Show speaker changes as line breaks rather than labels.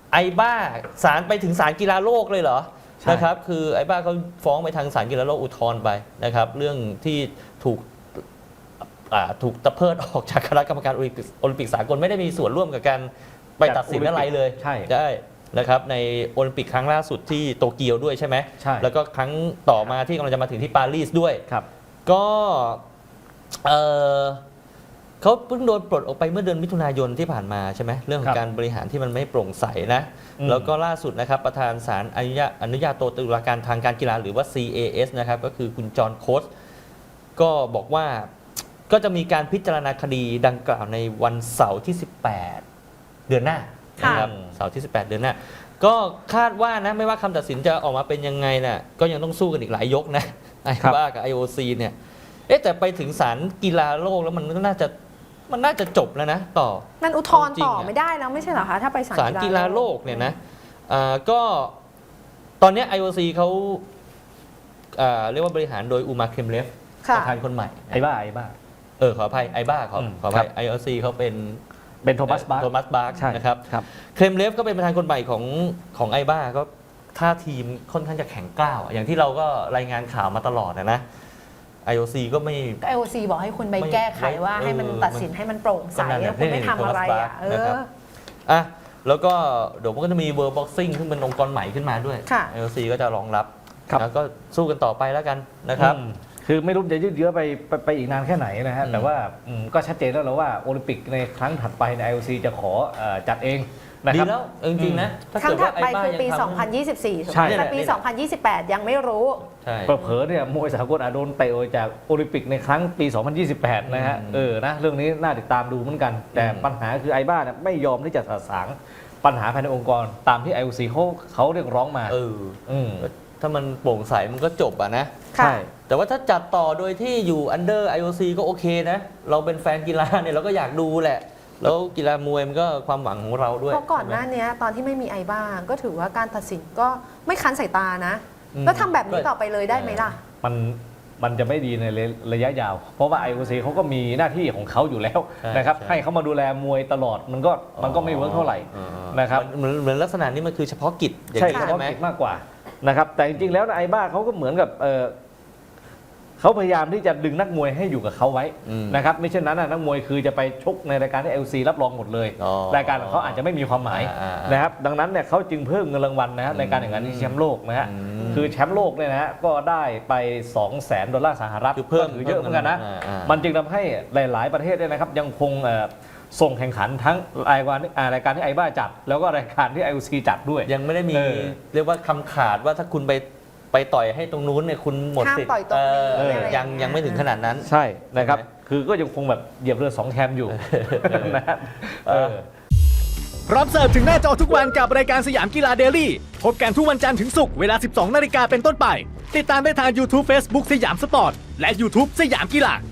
ไอบ้าศาลไปถึงศาลกีฬาโลกเลยเหรอนะครับคือไอบ้าเขาฟ้องไปทางศาลกีฬาโลกอุทธรณ์ไปนะครับเรื่องที่ถูกตะเพิดออกจากคณะกรรมการโอลิมปิกสากลไม่ได้มีส่วนร่วมกับการไปตัดสินอะไรเลย
ใช่
นะครับในโอลิมปิกครั้งล่าสุดที่โตเกียวด้วยใช่ไหม
ใช่
แล้วก็ครั้งต่อมาที่กำลังจะมาถึงที่ปารีสด้วย
ครับ
ก็เขาเพิ่งโดนปลดออกไปเมื่อเดือนมิถุนายนที่ผ่านมาใช่ไหมเรื่องของการบริหารที่มันไม่โปร่งใสนะแล้วก็ล่าสุดนะครับประธานศาลอนุญาโตตุลาการทางการกีฬาหรือว่า CAS นะครับก็คือคุณจอห์นโค้ชก็บอกว่าก็จะมีการพิจารณาคดีดังกล่าวในวันเสาร์ที่18เดือนหน้านะครับเสาร์ที่18เดือนหน้าก็คาดว่านะไม่ว่าคำตัดสินจะออกมาเป็นยังไงน่ะก็ยังต้องสู้กันอีกหลายยกนะไอ้บ้ากับ IOC เนี่ยแต่ไปถึงศาลกีฬาโลกแล้วมันน่าจะจบแล้วนะต่อ
มันอุทธรณ์ต่อไม่ได้แล้วไม่ใช่เหรอคะถ้าไป
ศาลกีฬาโลกเนี่ยนะก็ตอนนี้ IOC เขาเรียกว่าบริหารโดยอูมาเคมเลฟประธานคนใหม่
ไอ้บ้า
ขออภัยไอ้บ้าขออภัย IOC เขาเป็น
โทมัสบาร์ก
นะครับเคมเลฟก็เป็นประธานคนใหม่ของไอ้บ้าก็ท่าทีมค่อนข้างจะแข็งกร้าวอย่างที่เราก็รายงานข่าวมาตลอดนะIOC ก็ไม่
IOC บอกให้คุณไปแก้ไขว่าให้มันตัดสินให้มันโปร่งใสแล้วคุณไม่ทำอะไร
แล้วก็เดี๋ยวมันก็จะมี World Boxing ซึ่งเป็นองค์กรใหม่ขึ้นมาด้วย IOC ก็จะรองรับแล้วก็สู้กันต่อไปแล้วกันนะครับ
คือไม่รู้จะยืดเยื้อไปอีกนานแค่ไหนนะฮะแต่ว่าก็ชัดเจนแล้วว่าโอลิมปิกในครั้งถัดไปใน IOC จะขอจัดเอง
ดีแล้วจริงๆนะ
ครั้งถัดไปคือปี 2024 ใช่แต่ปี 2028 ยังไม่รู้
เผลอๆเนี่ยมวยสากลอาจโดนเตะจากโอลิมปิกในครั้งปี 2028 นะฮะนะเรื่องนี้น่าติดตามดูเหมือนกันแต่ปัญหาคือไอ้บ้าไม่ยอมที่จะสะสางปัญหาภายในองค์กรตามที่ IOC เขาเรียกร้องมา
ถ้ามันโปร่งใสมันก็จบนะ
ใช่
แต่ว่าถ้าจัดต่อโดยที่อยู่ under IOC ก็โอเคนะเราเป็นแฟนกีฬาเนี่ยเราก็อยากดูแหละแล้วกีฬามวยมันก็ความหวังของเราด้วย
เพราะก่อนหน้านี้ตอนที่ไม่มีไอ้บ้าก็ถือว่าการตัดสินก็ไม่คันสายตานะแล้วทำแบบนี้ต่อไปเลยได้ไหมล่ะ
มันจะไม่ดีในระยะยาวเพราะว่า IOC เขาก็มีหน้าที่ของเขาอยู่แล้วนะครับให้เขามาดูแลมวยตลอดมันก็ไม่เวิร์กเท่าไหร่นะครับ
เหมือนลักษณะนี้มันคือเฉพาะกิจ
ใช่เฉพาะกิจมากกว่านะครับแต่จริงๆแล้วไอ้บ้าเขาก็เหมือนกับเขาพยายามที่จะดึงนักมวยให้อยู่กับเขาไว้นะครับไม่เช่นนั้นนักมวยคือจะไปชกในรายการที่ LC รับรองหมดเลยรายการของเขาอาจจะไม่มีความหมายนะครับดังนั้นเนี่ยเขาจึงเพิ่มเงินรางวัลนะฮะในการแข่งขันที่แชมป์โลกนะฮะคือแชมป์โลกเนี่ยนะฮะก็ได้ไป$200,000คือเพิ่มถือเยอะเหมือนกันนะมันจึงทำให้หลายๆประเทศเนี่ยนะครับยังคงส่งแข่งขันทั้งรายการที่ไอ้บ้าจัดแล้วก็รายการที่ IOC จัดด้วย
ยังไม่ได้มีเรียกว่าคำขาดว่าถ้าคุณไปต่อยให้ตรงนู้นเนี่ยคุณหมดสิทธิ์ยังไม่ถึงขนาดนั้น
ใช่นะครับคือก็ยังคงแบบเหยียบเรือ2แคมอยู่นะ
พร้อมเสิร์ฟถึงหน้าจอทุกวันกับรายการสยามกีฬาเดลี่พบกันทุกวันจันทร์ถึงศุกร์เวลา 12 นาฬิกาเป็นต้นไปติดตามได้ทาง YouTube Facebook สยามสปอร์ตและ YouTube สยามกีฬา